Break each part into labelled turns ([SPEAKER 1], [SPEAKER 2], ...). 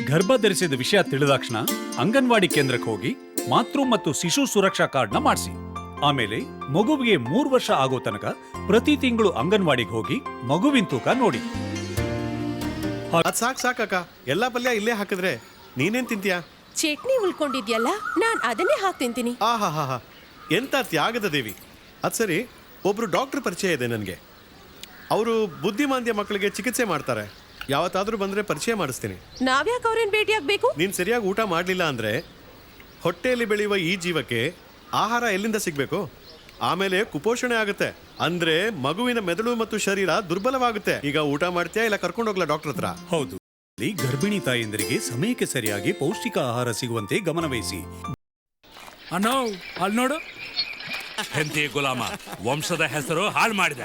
[SPEAKER 1] ಗರ್ಭ ಧರಿಸಿದ ವಿಷಯ ತಿಳಿದಾಕ್ಷಣ ಅಂಗನವಾಡಿ ಕೇಂದ್ರಕ್ಕೆ ಹೋಗಿ ಮಾತೃ ಮತ್ತು ಶಿಶು ಸುರಕ್ಷಾ ಕಾರ್ಡ್ನ ಮಾಡಿಸಿ. ಆಮೇಲೆ ಮಗುವಿಗೆ 3 ವರ್ಷ ಆಗೋ ತನಕ ಪ್ರತಿ ತಿಂಗಳು ಅಂಗನವಾಡಿಗೆ ಹೋಗಿ ಮಗುವಿನ ತೂಕ ನೋಡಿ.
[SPEAKER 2] ಅದ್ ಸಾಕಕ್ಕ, ಎಲ್ಲಾ ಪಲ್ಯ ಇಲ್ಲೇ ಹಾಕಿದ್ರೆ ನೀನೇನ್ ತಿಂತೀಯಾ?
[SPEAKER 3] ಚಟ್ನಿ ಉಳ್ಕೊಂಡಿದ್ಯಲ್ಲ, ನಾನ್ ಅದನ್ನೇ ಹಾಕ್ ತಿಂತೀನಿ.
[SPEAKER 2] ಆಹಾ, ಎಂತ ತ್ಯಾಗದ ದೇವಿ. ಅದ್ ಸರಿ, ಒಬ್ರು ಡಾಕ್ಟರ್ ಪರಿಚಯ ಇದೆ ನನಗೆ. ಅವರು ಬುದ್ಧಿಮಾಂದ್ಯ ಮಕ್ಕಳಿಗೆ ಚಿಕಿತ್ಸೆ ಮಾಡ್ತಾರೆ. ಯಾವತ್ತಾದ್ರೂ ಬಂದ್ರೆ ಪರಿಚಯ ಮಾಡಿಸ್ತೀನಿ.
[SPEAKER 3] ನಾವ್ಯಾಕೆ ಅವ್ರೇನ್ ಭೇಟಿ ಆಗ್ಬೇಕು?
[SPEAKER 2] ನೀನ್ ಸರಿಯಾಗಿ ಊಟ ಮಾಡ್ಲಿಲ್ಲ ಅಂದ್ರೆ ಹೊಟ್ಟೆಯಲ್ಲಿ ಬೆಳೆಯುವ ಈ ಜೀವಕ್ಕೆ ಆಹಾರ ಎಲ್ಲಿಂದ ಸಿಗ್ಬೇಕು? ಆಮೇಲೆ ಕುಪೋಷಣೆ ಆಗುತ್ತೆ, ಅಂದ್ರೆ ಮಗುವಿನ ಮೆದುಳು ಮತ್ತು ಶರೀರ ದುರ್ಬಲವಾಗುತ್ತೆ. ಈಗ ಊಟ ಮಾಡ್ತೀಯಾ ಇಲ್ಲ ಕರ್ಕೊಂಡು ಹೋಗ್ಲಾ ಡಾಕ್ಟರ್ ಹತ್ರ?
[SPEAKER 1] ಹೌದು, ಗರ್ಭಿಣಿ ತಾಯಂದರಿಗೆ ಸಮಯಕ್ಕೆ ಸರಿಯಾಗಿ ಪೌಷ್ಟಿಕ ಆಹಾರ ಸಿಗುವಂತೆ ಗಮನವಹಿಸಿ.
[SPEAKER 4] ಅನ್ನೋ ಅಲ್ಲಿ ನೋಡು, ಹೆಂಡತಿ ಗುಲಾಮ ವಂಶದ ಹೆಸರು ಹಾಳು ಮಾಡಿದ.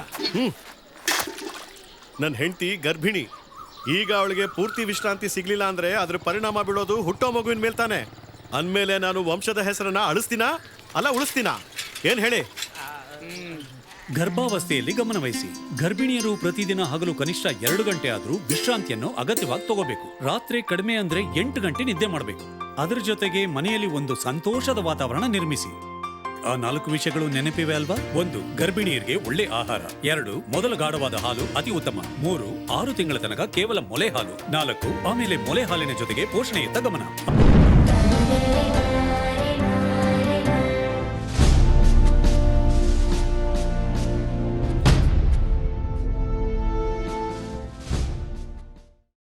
[SPEAKER 2] ನನ್ನ ಹೆಂಡತಿ ಗರ್ಭಿಣಿ. ಈಗ ಅವಳಿಗೆ ಪೂರ್ತಿ ವಿಶ್ರಾಂತಿ ಸಿಗ್ಲಿಲ್ಲ ಅಂದ್ರೆ ಅದ್ರ ಪರಿಣಾಮ ಬೀಳೋದು ಹುಟ್ಟೋ ಮಗುವಿನ ಮೇಲ್ತಾನೆ. ಅಂದ್ಮೇಲೆ ನಾನು ವಂಶದ ಹೆಸರನ್ನ ಅಳಿಸ್ತೀನಾ ಅಲ್ಲ ಉಳಿಸ್ತೀನಾ? ಏನ್ ಹೇಳಿ?
[SPEAKER 1] ಗರ್ಭಾವಸ್ಥೆಯಲ್ಲಿ ಗಮನವಹಿಸಿ. ಗರ್ಭಿಣಿಯರು ಪ್ರತಿದಿನ ಹಗಲು ಕನಿಷ್ಠ 2 ಗಂಟೆ ಆದ್ರೂ ವಿಶ್ರಾಂತಿಯನ್ನು ಅಗತ್ಯವಾಗಿ ತಗೋಬೇಕು. ರಾತ್ರಿ ಕಡಿಮೆ ಅಂದ್ರೆ 8 ಗಂಟೆ ನಿದ್ದೆ ಮಾಡಬೇಕು. ಅದರ ಜೊತೆಗೆ ಮನೆಯಲ್ಲಿ ಒಂದು ಸಂತೋಷದ ವಾತಾವರಣ ನಿರ್ಮಿಸಿ. ಆ 4 ವಿಷಯಗಳು ನೆನಪಿವೆ ಅಲ್ವಾ? 1. ಗರ್ಭಿಣಿಯರಿಗೆ ಒಳ್ಳೆ ಆಹಾರ. 2. ಮೊದಲ ಗಾಢವಾದ ಹಾಲು ಅತಿ ಉತ್ತಮ. 3. 6 ತಿಂಗಳ ತನಕ ಕೇವಲ ಮೊಲೆ ಹಾಲು. 4. ಆಮೇಲೆ ಮೊಲೆ ಹಾಲಿನ ಜೊತೆಗೆ ಪೋಷಣೆಯತ್ತ ಗಮನ.